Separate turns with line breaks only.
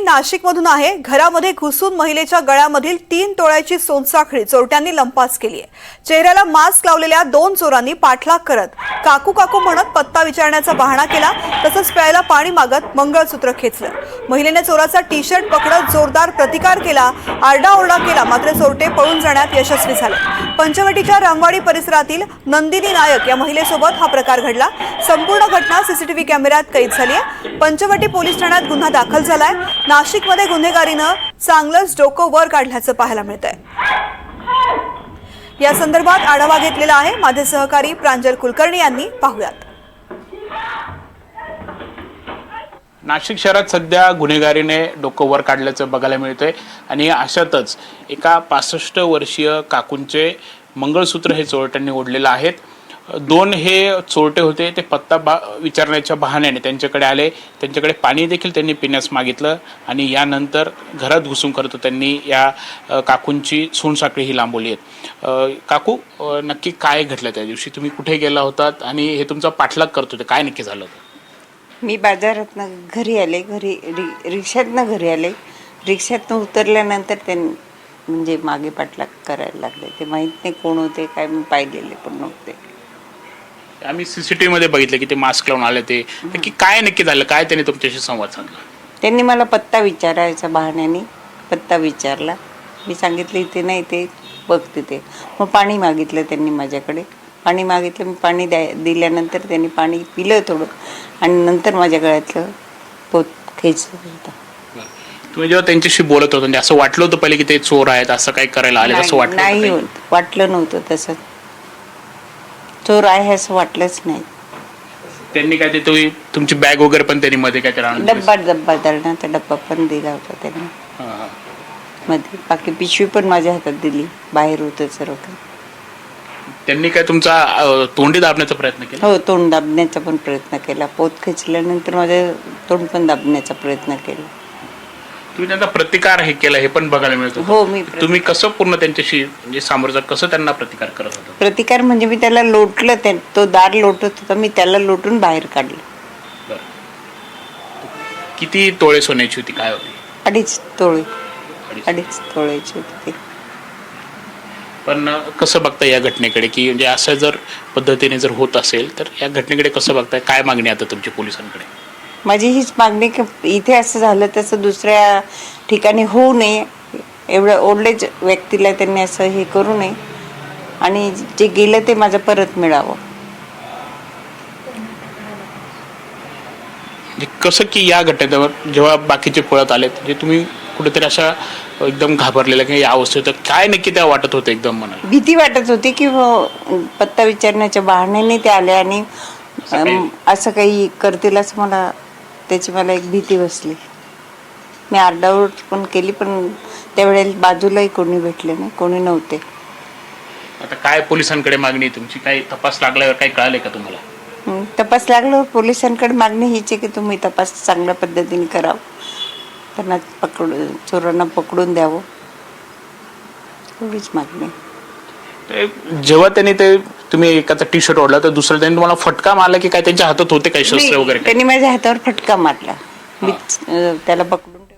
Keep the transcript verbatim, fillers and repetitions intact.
नाशिकमधून आहे। घरामध्ये घुसून महिलेच्या गळ्यामधील तीन तोळ्याची सोनसाखळी चोरट्यांनी लंपास केली आहे। चेहऱ्याला मास्क लावलेल्या दोन चोरांनी पाठलाग करत काकू काकू म्हणत पत्ता विचारण्याचा बहाणा केला, तसंच प्यायला पाणी मागत मंगळसूत्र खेचलं। महिलेने चोराचा टी शर्ट पकडत जोरदार प्रतिकार केला, आरडाओरडा केला, मात्र चोरटे पळून जाण्यात यशस्वी झाले। पंचवटीच्या रामवाडी परिसरातील नंदिनी नायक या महिलेसोबत हा प्रकार घडला। संपूर्ण घटना सीसीटीव्ही कॅमेऱ्यात कैद झाली आहे। पंचवटी पोलीस ठाण्यात गुन्हा दाखल झालाय। नाशिकमध्ये गुन्हेगारीनं चांगलंच डोकं वर काढल्याचं पाहायला मिळतंय। या संदर्भात आढावा घेतलेला आहे माझे सहकारी प्रांजल कुलकर्णी यांनी। पाहूयात।
नाशिक शहरात सध्या गुन्हेगारीने डोकं वर काढल्याचं बघायला मिळतंय आणि अशातच एका पासष्ट वर्षीय काकूंचे मंगळसूत्र हे चोरट्यांनी ओढलेलं आहेत। दोन हे चोरटे होते, ते पत्ता बा विचारण्याच्या बहाण्याने त्यांच्याकडे आले, त्यांच्याकडे पाणी देखील त्यांनी पिण्यास मागितलं आणि यानंतर घरात घुसून करतो त्यांनी या काकूंची सोनसाखळी ही लांबवली आहेत। काकू, नक्की काय घडलं त्या दिवशी? तुम्ही कुठे गेला होतात आणि हे तुमचा पाठलाग करत होते, काय नक्की झालं होतं?
मी बाजारातनं घरी आले, घरी रि रिक्षातनं घरी आले। रिक्षातनं उतरल्यानंतर त्यांनी म्हणजे मागे पाठलाग करायला लागले। ते माहीत नाही कोण होते, काय मी पाहिलेले पण नव्हते।
आम्ही सीसीटीव्ही मध्ये बघितलं की ते मास्क लावून आले। ते नक्की काय नक्की झालं, काय त्यांनी तुमच्याशी संवाद साधला?
त्यांनी मला पत्ता विचारायचा बहाण्याने पत्ता विचारला। मी सांगितलं इथे नाही, ते बघ तिथे। मग पाणी मागितलं त्यांनी माझ्याकडे, पाणी मागितलं। मी पाणी द्या दिल्यानंतर त्यांनी पाणी पिलं थोडं आणि नंतर माझ्या गळ्यातलं पोत खेचलं होतं।
तुम्ही जेव्हा त्यांच्याशी बोलत होता असं वाटलं होतं पहिले की ते चोर आहेत, असं काही करायला आले असं वाटलं?
नाही, वाटलं नव्हतं तसं, चोर आहे असं वाटलंच नाही।
त्यांनी काय ते तुम्ही तुमची बॅग वगैरे पण त्यांनी मध्ये काय
डब्बा डब्बा दळण्याचा डब्बा पण दिला होता त्यांनी मध्ये, बाकी पिशवी पण माझ्या हातात दिली, बाहेर होतं सर्व काही।
त्यांनी काय तुमचा तोंडी दाबण्याचा प्रयत्न केला?
हो, तोंड दाबण्याचा पण प्रयत्न केला। पोत खेचल्यानंतर माझं तोंड पण दाबण्याचा प्रयत्न केला।
तुम्ही त्यांचा प्रतिकार हे केला हे पण बघायला मिळतो?
हो, मी
तुम्ही कसं पूर्ण त्यांच्याशी म्हणजे सामोरं कसं त्यांना प्रतिकार करत होता?
प्रतिकार म्हणजे मी त्याला लोटलं, त्या तो दार लोटत होता, मी त्याला लोटून बाहेर काढलं।
किती तोळे सोन्याची होती, काय होती?
अडीच तोळे अडीच तोळ्याची होती।
पण कसं बघताय या घटनेकडे, की म्हणजे असं जर पद्धतीने जर होत असेल तर या घटनेकडे कसं बघताय? काय मागणी आता तुमची पोलिसांकडे?
माझी हीच मागणी की इथे असं झालं तसं दुसऱ्या ठिकाणी होऊ नये, एवढं ओल्डेज व्यक्तीला त्यांनी असं हे करू नये आणि जे गेलं ते माझं परत मिळावं।
कसं की या घटनेवर जेव्हा बाकीचे पळत आले म्हणजे तुम्ही कुठेतरी अशा एकदम घाबरलेल्या की या अवस्थेत काय नक्की त्या वाटत होते? एकदम मनाला
भीती वाटत होती की पत्ता विचारण्याच्या बहाण्याने ते आले आणि असं काही करतील असं मला, त्याची मला एक भीती बसली। मी आरडाओरड पण केली, पण त्यावेळेला बाजूलाही कोणी भेटले नाही, कोणी नव्हते।
आता काय पोलिसांकडे मागणी तुमची? काही तपास लागल्यावर काही कळाले का तुम्हाला?
तपास लागल्यावर पोलिसांकडे मागणी हीच आहे की तुम्ही तपास चांगल्या पद्धतीने करावं, त्यांना पकडून चोरांना पकडून द्यावं, एवढीच मागणी।
जेव्हा त्यांनी ते तुम्ही एकाचा टी शर्ट ओढला तर दुसऱ्या त्यांनी तुम्हाला फटका मारला की काय? त्यांच्या हातात होते काही शस्त्र वगैरे?
त्यांनी माझ्या हातावर फटका मारला, मी त्याला पकडून